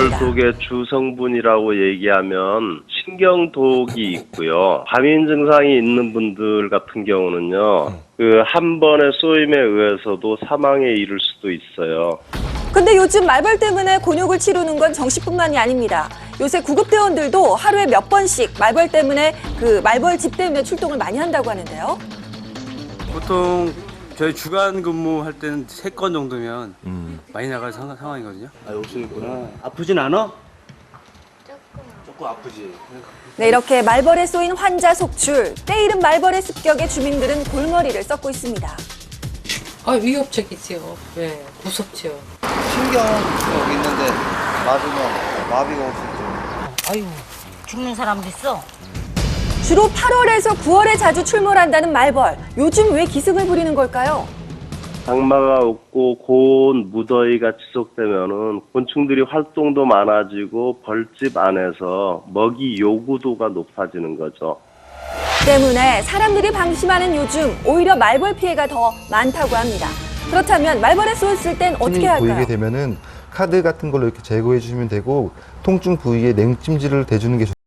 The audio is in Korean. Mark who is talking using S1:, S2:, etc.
S1: 있습니다.
S2: 말벌독의 주성분이라고 얘기하면 신경독이 있고요. 과민 증상이 있는 분들 같은 경우는요. 한 번의 쏘임에 의해서도 사망에 이를 수도 있어요.
S1: 근데 요즘 말벌 때문에 곤욕을 치르는 건 정씨뿐만이 아닙니다. 요새 구급대원들도 하루에 몇 번씩 말벌 때문에 말벌 집 때문에 출동을 많이 한다고 하는데요.
S3: 보통 저희 주간 근무할 때는 3건 정도면 많이 나갈 상황이거든요. 아, 욕심이구나. 아프진 않아? 조금 아프지.
S1: 네, 이렇게 말벌에 쏘인 환자 속출, 때이른 말벌의 습격에 주민들은 골머리를 썩고 있습니다.
S4: 위협적이지요. 네, 무섭지요.
S5: 신경 여기 있는데 맞으면 마비가 올 수 있죠.
S6: 아유, 죽는 사람도 있어.
S1: 주로 8월에서 9월에 자주 출몰한다는 말벌. 요즘 왜 기승을 부리는 걸까요?
S2: 장마가 없고 고온 무더위가 지속되면은 곤충들이 활동도 많아지고 벌집 안에서 먹이 요구도가 높아지는 거죠.
S1: 때문에 사람들이 방심하는 요즘 오히려 말벌 피해가 더 많다고 합니다. 그렇다면 말벌에 쏘였을 땐 어떻게 할까요?
S7: 보이게 되면은 카드 같은 걸로 이렇게 제거해 주시면 되고 통증 부위에 냉찜질을 대주는 게 좋습니다.